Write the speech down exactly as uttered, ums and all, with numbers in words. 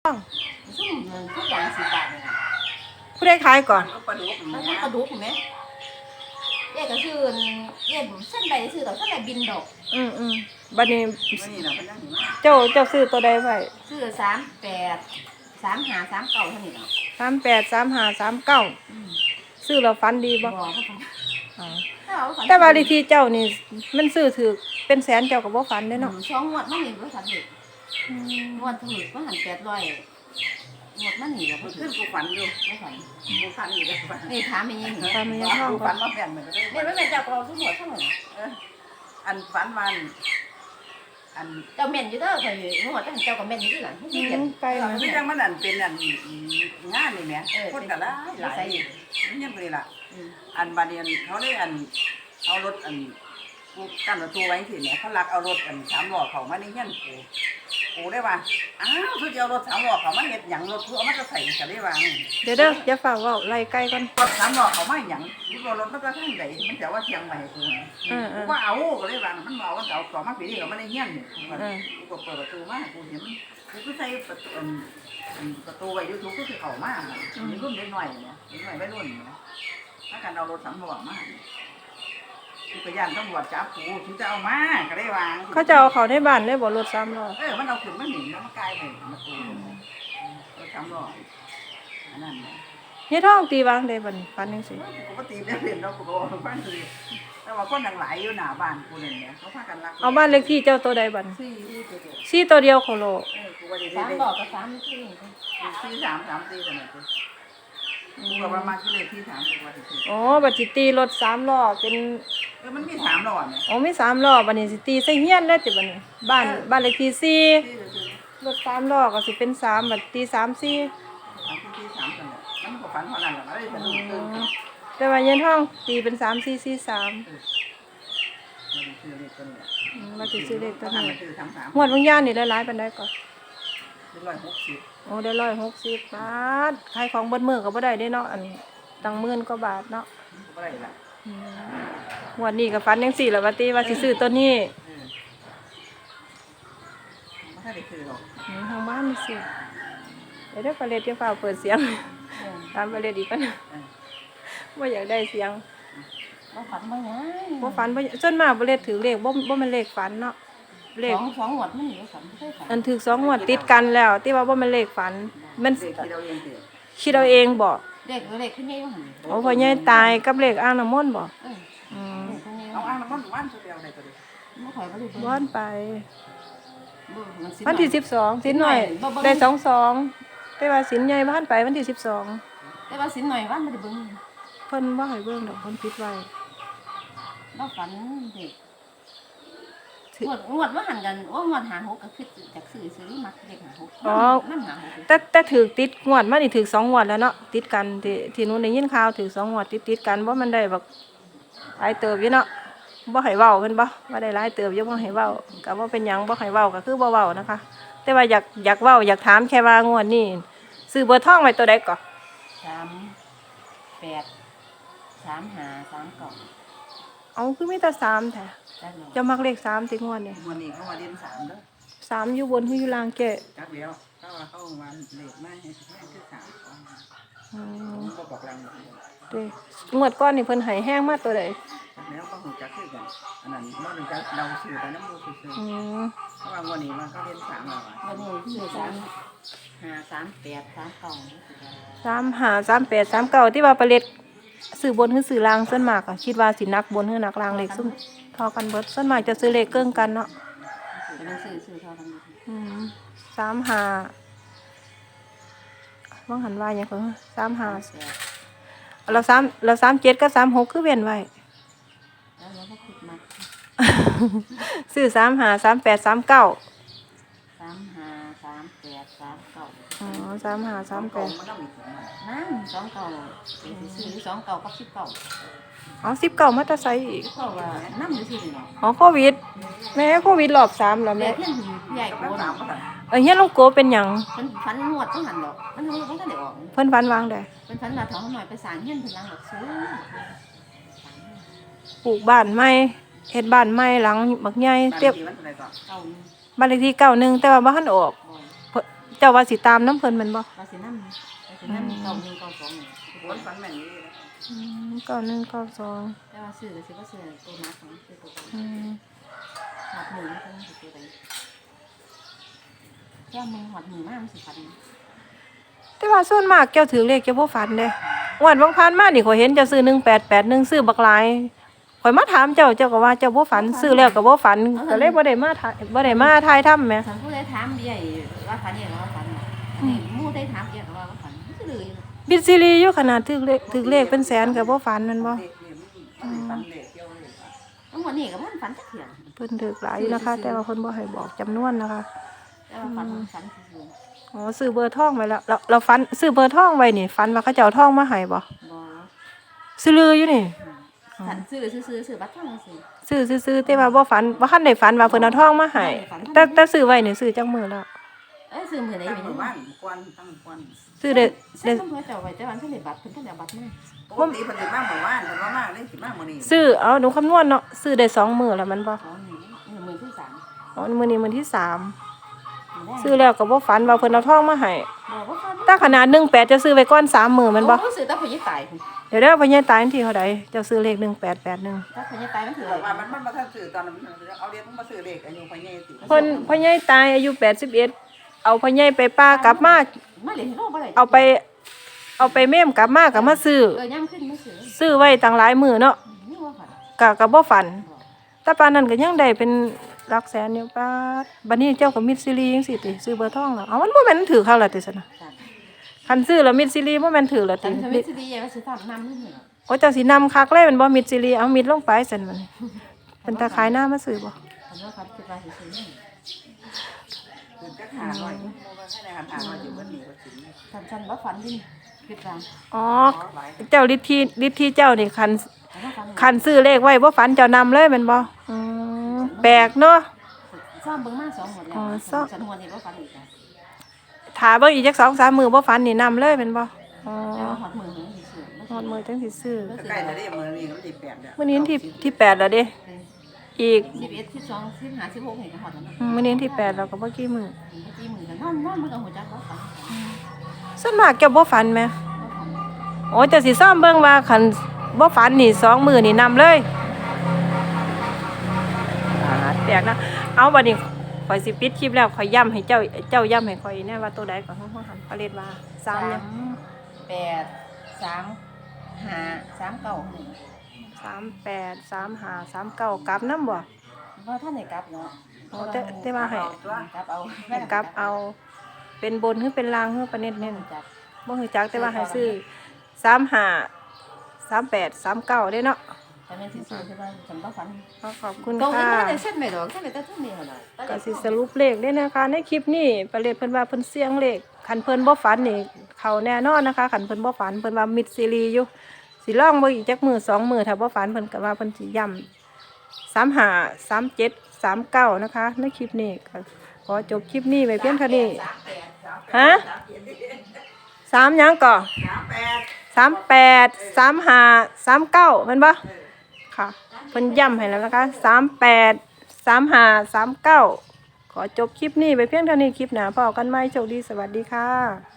ต้องซุ่มเงินทุกอย่างสิบบาทเลยนะผู้ได้ขายก่อนก็ปลาดุกมันก็ปลาดุกเห็นไหมเอ๊ะก็ชื่อเอ๊ะเส้นใดชื่อดอกเส้นใดบินดอกอืมอืมบัดนี้วันนี้เราเป็นยังไงเจ้าเจ้าซื้อตัวใดไว้ชื่อสามแปดสามหาสามเก่าเท่านี้เนาะสามแปดสามห้าสามเก้าซื้อแล้วฟันดีบ่บอกเขาฟังแต่ว่าดีที่เจ้านี่มันซื้อถือเป็นแสนเจ้ากับบ่ฟันเด้เนาะช่องงวดมันนี่บ่ทันเด็กงวดถูกมันหันแปดร้อยงวดมันนี่แล้วขึ้นกูฝันอยู่ไม่ฝันกูฝันอยู่เลยฝันนี่ถามไม่ยังถามไม่ยังท้องกูฝันว่าแม่นเหมือนกันเนี่ยไม่แม่นเจ้าเราทุกหมดทั้งหมดอันฝันมันอันเจ้าแม่นอยู่เด้อเคยงวดตั้งเจ้ากับแม่นอยู่ที่หลังที่เห็นไกลนะที่จังมันอันเป็นอันงานนี่แหม่คนก็หลายหลายนี่ยังเลยล่ะอันบาเนียนเขาได้อันเอารถอันกูกั้นประตูไว้สิเนี่ยเขาลักเอารถอันสามล้อเขามาในเงี้ยกูกูได้ว่าอ้าวคือเอารถสามล้อเขามาเห็ดหยังรถคือเอามาจะใส่จะได้วางเดี๋ยวเด้ออย่าฝากว่าไล่ไกลก่อนรถสามล้อเขามาหยังรถรถมันก็ทั้งใดมันจะว่าเชียงใหม่กูกูว่าเอาก็ได้วางมันเอามันเอาต่อมาปีนี้เขาไม่ได้เงี้ยเนี่ยกูก็เปิดประตูมากูเห็นกูก็ใส่ประตูประตูไว้ยูทูบก็คือเขามากมีรุ่นเล็กหน่อยเนี่ยเล็กหน่อยไม่รุ่นนะถ้าการเอารถสามล้อมาคือพยานตำรวจจับกูถึงจะเอามาก็ได้วางเขาจะเอาเขาในบ้านได้บ่รถสามล้อเออมันเอาขึ้นมาหนีแล้วมันกลายเป็นมาตูรถสามล้ออันนั้นเฮ็ดท้องตีวางได้บัดนี้ฟันจังซี่ปกติเนี่ยเห็นเราปกติบ้านคือแต่ว่าคนหลายอยู่หน้าบ้านกูเนี่ยเขาพากันรักเอาบ้านเลขที่เจ้าตัวใดบัดสี่สี่ตัวเดียวโคโลเออกูว่าได้สามล้อกับสามสี่สี่สามสามสี่กันเลยกูก็ประมาณก็เลยที่สามกูว่าที่อ๋อบัดสิตีรถสามล้อเป็นเออมันมีสามล้อเนี่ยอ๋อมีสามล้อบัดนี้สิตีใส่เฮียนได้ติบัดนี้บ้านบ้านเลขที่สี่รถสามล้อก็สิเป็นสามบัดตีสามสี่สามที่สามกันเลยมันก็ฝันเท่านั้นแหละไม่ได้สนุกเกินแต่ว่าเย็นท้องตีเป็นสามสี่สี่สามมาติดซื้อเลขตัวนี้หมวดวิญญาณนี่ได้หลายปานใดก่อนได้ร้อยหกสิบโอ้ได้ร้อยหกสิบบาทขายของเบิดมื้อก็บ่ได้เด้เนาะอันตั้งหมื่นกว่าบาทเนาะบ่ได้ล่ะหมวดนี้ก็ฝันจังซี่ล่ะว่าติว่าสิซื้อตัวนี้บ่ได้ซื้อหรอกทางบ้านนี่สิเดี๋ยวเด้อปลาเล็ดจะฟ้าเปิดเสียงตามปลาเล็ดอีกกันบ่อยากได้เสียงบ่ฝันบ่หยังบ่ฝันบ่ส่วนมากปลาเล็ดถือเลขบ่บ่แม่นเลขฝันเนาะเลขสองงวดมันนี่ฝันบ่ได้ฝันอันถือสองงวดติดกันแล้วที่ว่าบ่แม่นเลขฝันมันคิดเอาเองบ่เลขเลขขึ้นใหญ่บ่หั่นโอ้พ่อใหญ่ตายกับเลขอ่างน้ำมนต์บ่อืมเอาอ่างน้ำมนต์วันสุดเดียวได้ตัวเดียวบ่ค่อยบ่ได้วันไปวันที่สิบสองสินหน่อยได้สองสองแต่ว่าสินใหญ่บ้านไปวันที่สิบสองแต่ว่าสินหน่อยวันบ่ได้เบิ่งเพิ่นบ่ให้เบิ่งดอกเพิ่นปิดไว้บ่ฝันเด็กงวดงวดว่าหันกันว่างวดหาหกก็คือจากซื้อซื้อมักเด็กหาหกอ๋อแต่แต่ถือติดงวดมานี่ถือสองงวดแล้วเนาะติดกันที่ที่นู้นได้ยินข่าวถือสองงวดติดๆกันบ่มันได้แบบหลายเติบอยู่เนาะบ่ให้เว้าเพิ่นบ่ว่าได้หลายเติบอยู่บ่ให้เว้าก็บ่เป็นหยังบ่ให้เว้าก็คือบ่เว้านะคะแต่ว่าอยากอยากเว้าอยากถามแค่ว่างวดนี้ซื้อเบอร์ทองไว้ตัวใดก่อสามแปดสามห้าสามเก้าเอาคือมีแต่สามแท้จะมักเลขสามติงวดนี่งวดนี้เขามาเรียนสามเด้อสามอยู่บนคืออยู่ล่างแก่จักเดียวเขาว่าเขามาเลขมาให้คือสามอืมก็บอกแรงเด้งวดก่อนนี่เพิ่นให้แห้งมาตัวใดแล้วก็หูจักคือกันอันนั้นบ่รู้จักเดาชื่อไปนำบ่ซื่อๆอืมเพราะว่างวดนี้มันก็เรียนสามแล้วอ่ะงวดนี้คือสามห้า สาม แปด สาม เก้าสาม ห้า สาม แปด สาม เก้าที่ว่าปลาเล็ดซื้อบนคือซื้อล่างส่วนมากอ่ะคิดว่าสินักบนคือนักล่างเลขซุ่มเท่ากันเบิดส่วนมากจะซื้อเลขเกิ้งกันเนาะก็ซื้อซื้อเท่ากันอืมสาม ห้าว่างหันว่าหยังก็สาม ห้าเราสามเราสาม เจ็ดกับสาม หกคือเว้นไว้ซื้อสาม ห้า สาม แปด สาม เก้าสาม ห้า สาม แปด สาม เก้าอ๋อสาม ห้า สาม แปดนั่นสองเก้าเป็นซื้อสองเก้ากับสิบเก้าอ๋อสิบเก้ามาแต่ไสอีกเพราะว่าน้ำอยู่ที่นี่เนาะอ๋อโควิดแม่โควิดรอบสามแล้วแม่เพื่อนใหญ่กว่าสามเออเฮียลุงโกเป็นหยังเพิ่นฝันงวดต้องหันดอกมันรู้บ่ทันได้ออกเพิ่นฝันวางได้เพิ่นฝันว่าท้องหน่อยไปสร้างเฮียนเพิ่นหลังดอกสูงปลูกบ้านใหม่เฮ็ดบ้านใหม่หลังบักใหญ่เต็มบ้านเลขที่เก้าหนึ่งแต่ว่าบ่ทันออกจ้าว่าสิตามน้ำเพิ่นแม่นบ่ว่าสินำว่าสินำเก้าหนึ่งเก้าสองนี่คนฝันแม่นนี่อืมเก้าหนึ่งเก้าสองแต่ว่าซื้อก็สิบ่ซื้อตัวมาของซื้อตัวอืมหอดหมูมันสิตัวใดแค่มึงหอดหมูมากมันสิพันแต่ว่าส่วนมากเจ้าถือเลขเจ้าบ่ฝันเด้งวดบางผ่านมานี่ข่อยเห็นเจ้าซื้อหนึ่งแปดแปดหนึ่งซื้อบักหลายข่อยมาถามเจ้าเจ้าก็ว่าเจ้าบ่ฝันซื้อแล้วก็บ่ฝันก็เลยบ่ได้มาถ่ายบ่ได้มาถ่ายทำแหมฉันผู้ใดถามเบี้ยว่าฝันเนี่ยว่าฝันอันนี้หมู่ได้ถามเบี้ยก็ว่าฝันมันสิเลยบิดซีรีอยู่ขนาดถือเลขถือเลขเป็นแสนก็บ่ฝันแม่นบ่เด็กนี่มันฝันเด็กเกี่ยวเลยทั้งวันนี้ก็มันฝันจักเที่ยเพิ่นถือหลายอยู่นะคะ แต่ว่าเพิ่นบ่ให้บอกจำนวนนะคะแต่ว่าฝันฝันซื่ออ๋อซื้อเบอร์ทองไว้แล้วเราเราฝันซื้อเบอร์ทองไว้นี่ฝันว่าเขาจะเอาทองมาให้บ่ๆบ่ซื้อลืออยู่นี่ฝันซื้อซื้อซื้อบัตรทองซื้อซื้อซื้อๆแต่ว่าบ่ฝันบ่คันได้ฝันว่าเพิ่นเอาทองมาให้แต่แต่ซื้อไว้นี่ซื้อจักมื้อแล้วเอ้ยซื้อมื้อใดตั้งเป็นหมู่บ้านกวนตั้งกวนซื้อได้ซื้ได้อต้องเจ้าไว้แต่วันเพิ่นได้บัตรเพิ่นเพิ่นเอาบัตรมาปกติเพิ่นสิมาหมู่บ้านเพิ่นว่ามากเลยสิมามื้อนี้ซื้อเอาหนูคำนวณเนาะซื้อได้สองมื้อแล้วมันบ่อ๋อนี่นี่มื้อที่สามอ๋อมื้อนี้มื้อที่สามมื้อแรกซื้อแล้วก็บ่ฝันว่าเพิ่นเอาทองมาให้บ่บ่ฝันถ้าขนาดหนึ่งแปดจะซื้อไว้ก่อนสามมื้อแมันบ่โอ้ซื้อแต่พญตายพุ่นเดี๋ยวเด้อพ่อใหญ่ตายวันที่เท่าใดเจ้าซื้อเลขหนึ่งแปดแปดหนึ่งถ้าพญตายมันถือว่ามันมันมาทันซื้อตอนนั้นเอาเรียนมันมาซื้อเด็กอายุพ่อใหญ่สิเพิ่นพ่อใหญ่ตายอายุแปดสิบเอ็ดเอาพ่อใหญ่ไปป้ากลับมามาเล่นโลกบ่ได้เอาไป เอาไปเมมกลับมาก็มาซื้อเออย่ำขึ้นมาซื้อซื้อไว้ตั้งหลายมื้อเนาะนี่ว่าฝันก็ก็บ่ฝัน แต่ปานนั้นก็ยังได้เป็นหลักแสนอยู่ปาดบัดนี้เจ้าก็มิดซีรีส์จังซี่ติซื้อเบอร์ทองแล้วเอามันบ่แม่นถือเขาล่ะติซั่นน่ะจ้ะคันซื้อแล้วมิดซีรีส์บ่แม่นถือล่ะฉัตินทำให้สิดีว่าสิทำน้ำนี่เหรอโอ้เจ้าสินำคักเลยแมันบ่มิดซีรีส์เอามิดลงไปซั่นมันเป็นตาขายหน้ามาซื้อบ่ฉันว่าครับคิดว่าสิซื้อนี่คือจักหาหน่อยบ่ว่าให้ได้หันหาหน่อยสิเบิ่นนี่ว่าสิฉันฉันว่าฝันดิคิดว่าอ๋อขอหลายเจ้าฤทธิ์ที่ฤทธิ์ที่เจ้านี่คันฉันว่าฝันคันซื้อเลขไว้บ่ฝันเจ้านำเลยแม่นบ่อืมแปลกเนาะซ่อมเบิ่งมาสองหมดแล้วอ๋อซ่อมฉันหัวนี่ว่าฝันอีกอ่ะถ้าเบิ่งอีกจักสองสามมื้อบ่ฝันนี่นำเลยแม่นบ่อ๋อแต่ว่าหอดมือหนึ่งสิซื้อฮอดมื้อจังสิซื้อใกล้จะได้มื้อนี้มันสิแปดแล้วมื้อนี้วันที่ที่แปดแล้วเด้อีกสิบเอ็ดสิบสองสิบห้าสิบหกเห็นก็หอดแล้วนะอืมมื้อนี้วันที่แปดแล้วก็บ่กี่มื้อเมื่อกี้มือกันนอนนอนมือกับหัวจักว่าฝันส่วนมากเจ้าบ่ฝันแหมว่าฝันโอ้เจ้าสิซ่อมเบิ่งว่าคันบ่ฝันนี่สองมื้อนี่นำเลยอ่าแปลกนะเอาบัดนี้ข่อยสิปิดคลิปแล้วข่อยย้ำให้เจ้าเจ้าย้ำให้ข่อยแน่ว่าตัวใดก่อนของหันพระเลดว่าสามเนี่ยแปดสามห้าสามเก้าหนึ่งสามแปดสามห้าสามเก้ากลับน้ำบ่ว่าท่านไหนกลับเนาะโอ้แต่แต่ว่าให้กลับเอาให้กลับเอาเป็นบนหรือเป็นล่างหรือประเน็ตเน้นจับบ่ฮู้จักแต่ว่าให้ซื้อสามห้าสามแปดสามเก้าได้เนาะแต่เป็นสิซื้อใช่ไหมฉันว่าฝันขอขอบคุณตรงนี้ค่ะไม่ได้เส้นไม่ดอกแค่ไหนแต่ท่านนี่เหรอก็สิสรุปเลขได้นะคะ ในคลิปนี้ประเลดเพิ่นว่าเพิ่นเสียงเลขคันเพิ่นบ่ฝันนี่เข้าแน่นอนนะคะคันเพิ่นบ่ฝันเพิ่นว่ามิดซีรีส์อยู่สิลองเบิ่งอีกจักมื้อสองมื้อถ้าบ่ฝันเพิ่นก็ว่าเพิ่นสิย้ำสามห้า สามเจ็ด สามเก้านะคะ ในคลิปนี้ก็ขอจบคลิปนี้ไว้เพียงเท่านี้ฮะสามหยังก่อสามแปดสามแปด สามห้า สามเก้าแม่นบ่ค่ะเพิ่นย้ำให้แล้วนะคะสามแปด สามห้า สามเก้าขอจบคลิปนี้ไปเพียงเท่านี้คลิปหน้าพบกันใหม่โชคดีสวัสดีค่ะ